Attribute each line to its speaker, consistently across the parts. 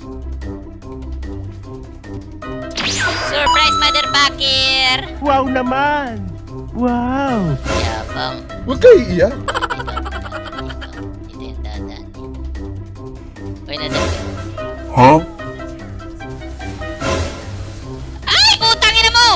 Speaker 1: Surprise, motherfucker!
Speaker 2: Wow naman! Wow!
Speaker 1: Yabang.
Speaker 3: Huwag kayo iiyak.
Speaker 1: Dito yung dadaan. Uy, nandun.
Speaker 3: Huh?
Speaker 1: Ay! Putang ina mo!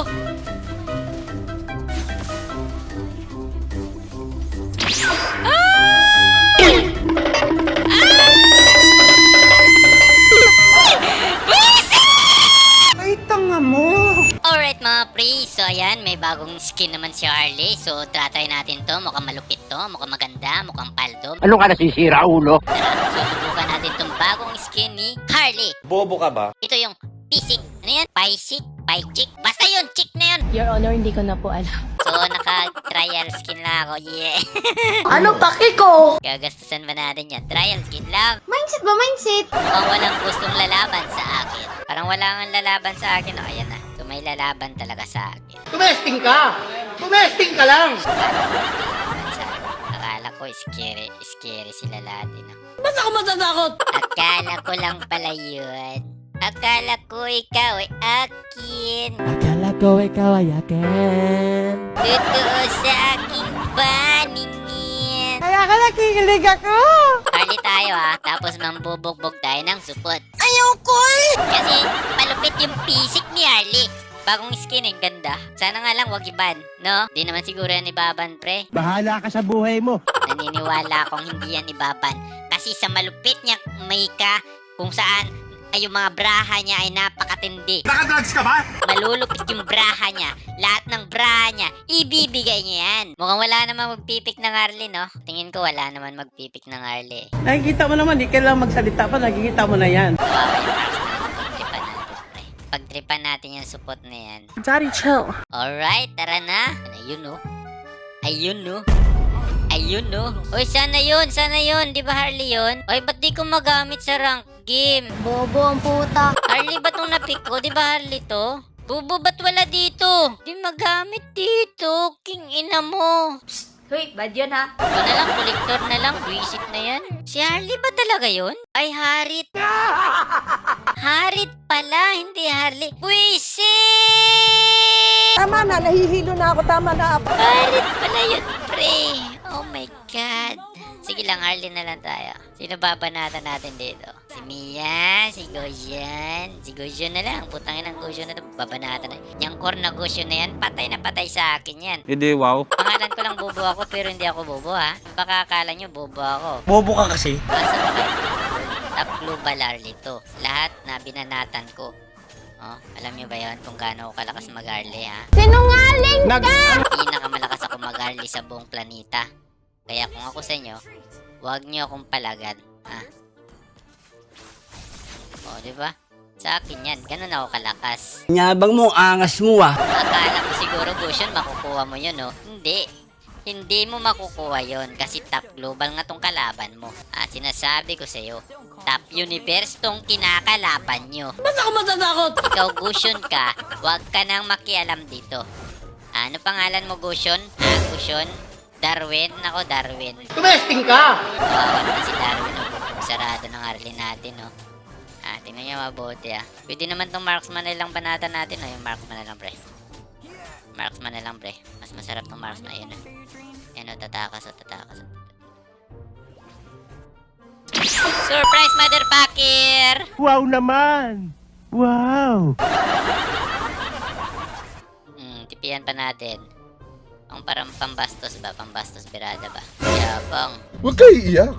Speaker 2: Ay, tanga mo!
Speaker 1: Alright mga pre, so ayan, may bagong skin naman si Harley. So try natin to, mukhang malupit to, mukhang maganda, mukhang paldo.
Speaker 2: Ano ka nasisira, ulo?
Speaker 1: Tara, susubukan natin tong bagong skin ni Harley.
Speaker 3: Bobo ka ba?
Speaker 1: Ito yung Pisik. Ano yan? Paisik? Paichik? Basta yun, chick na yun.
Speaker 4: Your Honor, hindi ko na po alam.
Speaker 1: So naka-trial skin lang ako, yeah.
Speaker 4: Ano paki ko?
Speaker 1: Gagastusan ba natin yan? Trial skin lang.
Speaker 4: Mindset ba, mindset?
Speaker 1: Mukhang walang gustong lalaban sa akin. Parang wala nga lalaban sa akin. O, ayan na. So may lalaban talaga sa akin.
Speaker 2: Tumesting ka! Tumesting ka lang!
Speaker 1: Lalaban sa akin. Akala ko scary sila lahat. No?
Speaker 4: Ba't ako matatakot?
Speaker 1: Akala ko lang pala yun. Akala ko ikaw ay akin.
Speaker 2: Akala ko ikaw ay akin.
Speaker 1: Totoo sa aking paningin.
Speaker 2: Kaya ka nakikilig ako!
Speaker 1: Harley tayo ha, tapos mambubugbog tayo ng supot.
Speaker 4: Ayaw ko eh!
Speaker 1: Kasi malupit yung pisik ni Harley. Bagong skin eh, ganda. Sana nga lang wag iban, no? Di naman siguro yan ibaban, pre.
Speaker 2: Bahala ka sa buhay mo.
Speaker 1: Naniniwala akong hindi yan ibaban. Kasi sa malupit niya may ka kung saan ay yung mga braha niya ay napakatindi.
Speaker 3: Nakadrugs ka ba?
Speaker 1: Malulupit yung braha niya. Lahat ng braha niya, ibibigay niya yan. Mukhang wala naman magpipik ng Harley, no? Tingin ko wala naman magpipik ng Harley.
Speaker 2: Nakikita mo naman, di kailangan magsalita pa, nakikita mo na yan.
Speaker 1: Kawawa yung Marks na pagtripan natin, pre. Pagtripan natin yung support na yan.
Speaker 4: Daddy, chill.
Speaker 1: Alright, tara na. Ayun, no? Ayun, no? Ayun, no? Uy, sana yun, sana yun. Di ba Harley yun? Uy, ba't di ko magamit sa rank game?
Speaker 4: Bobo ang puta.
Speaker 1: Harley ba itong napick ko? Di ba Harley to? Bubo, ba't wala dito? Di magamit dito. King ina mo.
Speaker 4: Hoy, bad yun ha?
Speaker 1: Ito na lang, kolektor na lang. Buisit na yan. Si Harley ba talaga yun? Ay, Harit. Harit pala, hindi Harley. Buisit!
Speaker 4: Tama na, nahihilo na ako. Tama na.
Speaker 1: Harit pala yun, pre. Oh my God. Sige lang, Harley na lang tayo. Sino babanatan natin dito? Si Mia, si Goshen. Si Goshen na lang. Putangin ng Goshen na ito. Babanatan na. Yung core na Goshen na yan, patay na patay sa akin yan.
Speaker 3: Hindi, wow.
Speaker 1: Pangalan ko lang bobo ako, pero hindi ako bobo ha. Baka akala nyo bobo ako.
Speaker 3: Bobo ka kasi.
Speaker 1: Basta ba kayo? Top global Harley to. Lahat na binanatan ko. Oh, alam nyo ba yun kung gaano ako kalakas mag-Harley ha?
Speaker 4: Sinungaling ka!
Speaker 1: Pinakamalakas ako mag-Harley sa buong planeta. Kaya kung ako sa inyo, huwag nyo akong palagan. Ha? O, diba? Sa akin yan, ganun ako kalakas.
Speaker 2: Nyabang mo, angas mo ah.
Speaker 1: Akala mo siguro, Gusyon, makukuha mo yun, no? Hindi. Hindi mo makukuha yon kasi top global nga tong kalaban mo. At sinasabi ko sa'yo, top universe tong kinakalaban nyo.
Speaker 4: Ba't ako matatakot?
Speaker 1: Ikaw, Gusyon ka, huwag ka nang makialam dito. Ano pangalan mo, Gusyon? Ha, Gusyon? Darwin? Ako, Darwin.
Speaker 2: Tumesting ka!
Speaker 1: Kawawa naman si Darwin, no? Bubog sarado ng Harley natin, no? Ah, tingnan nyo mabuti, ah. Pwede naman tong marksman na lang banatan natin, no? Yung marksman na lang, pre. Marksman na lang, pre. Mas masarap tong marksman. Ayan, no? Ayan, no? Tatakas, oh, tatakas, oh. Surprise, motherfucker!
Speaker 2: Wow naman! Wow!
Speaker 1: Tipihan pa natin. Ang parang pambastos ba? Pambastos birada ba? Yabang.
Speaker 3: Huwag kayo iiyak.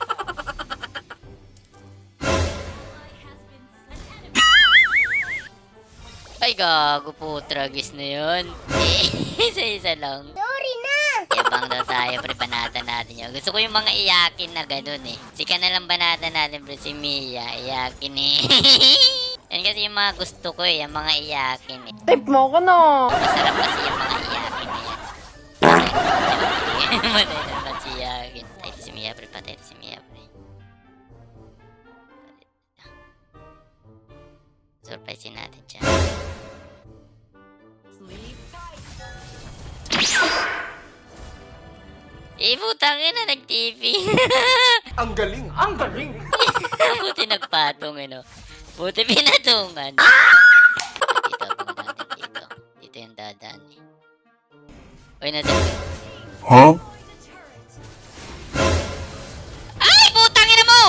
Speaker 1: Ay, gago po. Tragis na yun. Isa-isa lang.
Speaker 4: Sorry na!
Speaker 1: Yabang daw tayo, pre. Banatan natin yun. Gusto ko yung mga iyakin na ganun eh. Sika na lang banatan natin, pre. Si Mia. Iyakin eh. Yan kasi yung mga gusto ko eh. Yung mga iyakin eh.
Speaker 4: Tip mo ko no!
Speaker 1: Masarap kasi yung mga iyakin na yan. Matay naman si iyakin. Patay si Mia, pre. Patay si Mia, pre. Surprisein natin siya. Eh, putangin na nag-TV.
Speaker 3: Ang galing. Ang galing.
Speaker 1: Buti nagpatong, ano. Buti pinatungan. Dito, abangan natin dito. Dito yung dadaan. Uy, nadaan.
Speaker 3: Huh?
Speaker 1: Ay, putang ina mo!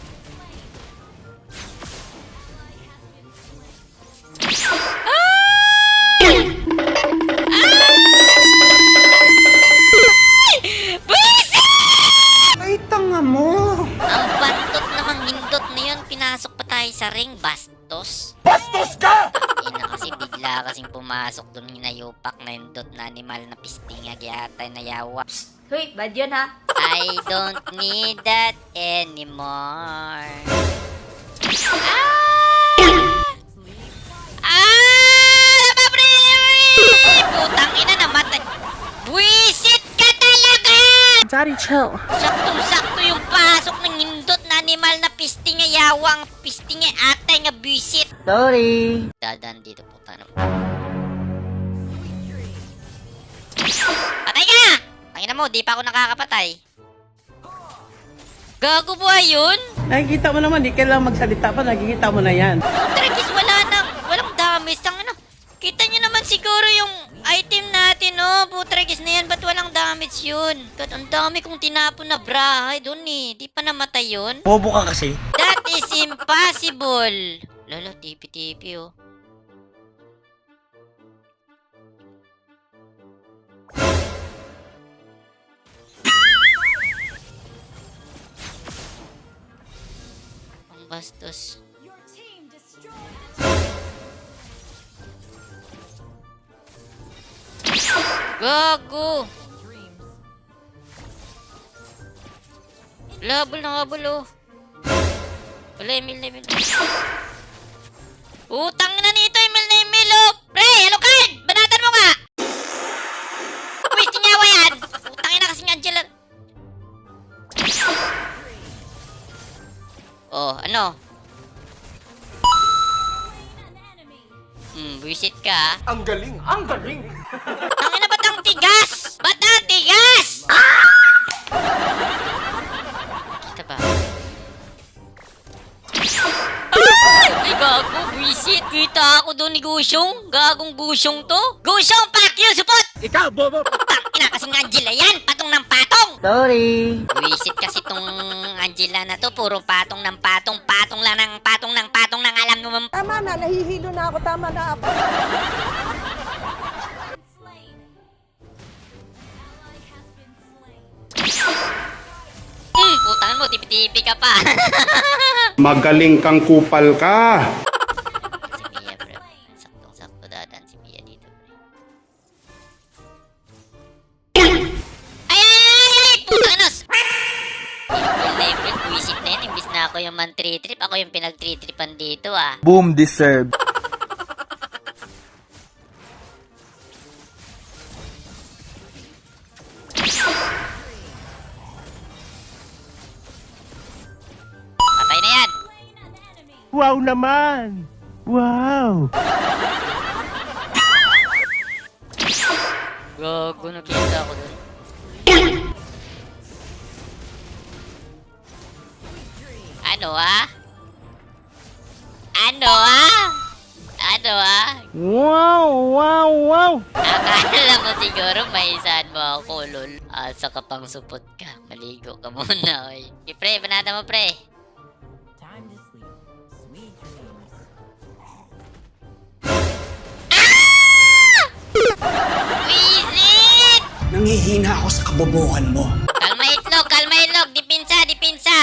Speaker 3: Ay, tanga mo!
Speaker 1: Ang bantot namang hindot na yun, pinasok pa tayo sa ring, bastos.
Speaker 3: Bastos ka!
Speaker 1: Ina kasi bigla kasing pumasok dun hinayupak na hindot na animal na pistingag yata na yawa.
Speaker 4: Hoy, bad yun ha?
Speaker 1: I don't need that anymore. Nababre! Putang ina, namatay. Buwisit ka talaga!
Speaker 4: Daddy, chill.
Speaker 1: Saktong-sakto yung pasok ng hindot na animal na pisting nga yawang pisting nga atay nga buwisit.
Speaker 2: Sorry.
Speaker 1: Dadaan dito, puta na. Patay ka! Pangina mo, di pa ako nakakapatay. Gago ba yun?
Speaker 2: Nakikita mo naman, di kailangan magsalita pa, nakikita mo na yan.
Speaker 1: Tragis, wala nang, walang damage. Ang ano, kita nyo naman siguro yung item natin, no? Putragis na yan, ba't walang damage yun? God, ang dami kong tinapon na brahay doon eh. Di pa namatay yun?
Speaker 3: Bobo ka kasi.
Speaker 1: That is impossible. Lolo, tipi-tipi oh. Ang bastos. Gago! Labol na habol oh. Wala, Emil na Emil. Utang na nito, Emil na Emil oh! Pre, hello card! Banatan mo nga! Uy, tinyawa yan! Utang na kasing Angela. Oh, ano? Buwisit ka.
Speaker 3: Ang galing! Ang galing!
Speaker 1: Tangina, ba't ang tigas? Ba't ang tigas? Kita ba? Ay, gago, buwisit. Kita ako doon ni Gusyong. Gagong Gusyong to. Gusyong, fuck you, supot!
Speaker 3: Ikaw, bobo!
Speaker 1: Tangina, kasing Angela yan. Patong ng patong.
Speaker 2: Sorry.
Speaker 1: Buwisit kasi tong Angela na to. Puro patong ng patong. Patong lang ng patong ng patong ng alam mo.
Speaker 4: Tama na, nahihilo na ako. Tama na ako.
Speaker 1: Putangan mo, tipi-tipi ka pa.
Speaker 5: Magaling kang kupal ka.
Speaker 1: Si Mia, bro. Saktong-sakto dadaan si Mia dito, bro. Ay! Putanos! Level, buwisit na yun. Imbis na ako yung man 3-trip, ako yung pinag-3-tripan dito, ah.
Speaker 3: Boom deserve.
Speaker 1: Patay na yan!
Speaker 2: Wow naman! Wow!
Speaker 1: Gago, nakita ako dun. Ano, ah? Ano, ah? Ano, ah?
Speaker 2: Wow! Wow! Wow!
Speaker 1: Akala mo siguro may isaan mo ako, lol. Asa ka pang supot ka. Maligo ka muna, oy. Okay, pre, banata mo, pre. Wisit!
Speaker 3: Nangihina ako sa kabobohan mo.
Speaker 1: Kalma itlog, kalma itlog. Dipinsa, dipinsa.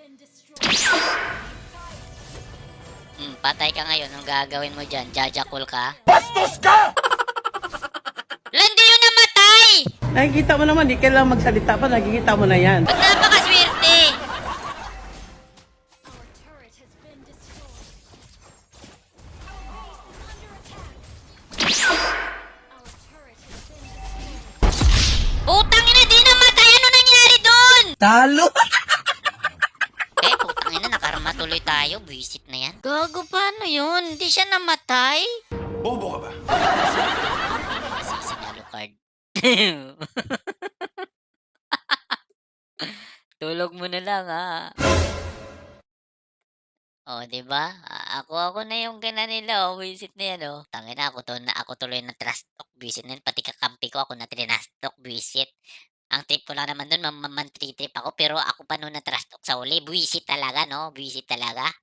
Speaker 1: Patay ka ngayon. Anong gagawin mo dyan? Jajakul ka?
Speaker 3: Bastos ka!
Speaker 1: Landi yun namatay!
Speaker 2: Nakikita mo naman, di kailangan magsalita pa, nakikita mo na yan.
Speaker 1: Ba't napakaswerte? Putang ina, di namatay! Ano nangyari doon?
Speaker 2: Talo!
Speaker 1: Putang ina, nakarma tuloy tayo. Buisit na yan. Gago, paano yun? Hindi siya namatay?
Speaker 3: Bobo ka ba?
Speaker 1: Sisinalo card. Tulog mo na lang, ha? Oh, 'di ba? Ako na yung gana nila, oh, visit na 'yan, oh. Tangina ako tuloy na trash talk visit na 'yun, pati kakampi ko ako na trinash talk visit. Ang trip ko lang naman do'n man-trip ako pero ako pa no'n na trash talk sa huli, buwisit talaga 'no, buwisit talaga.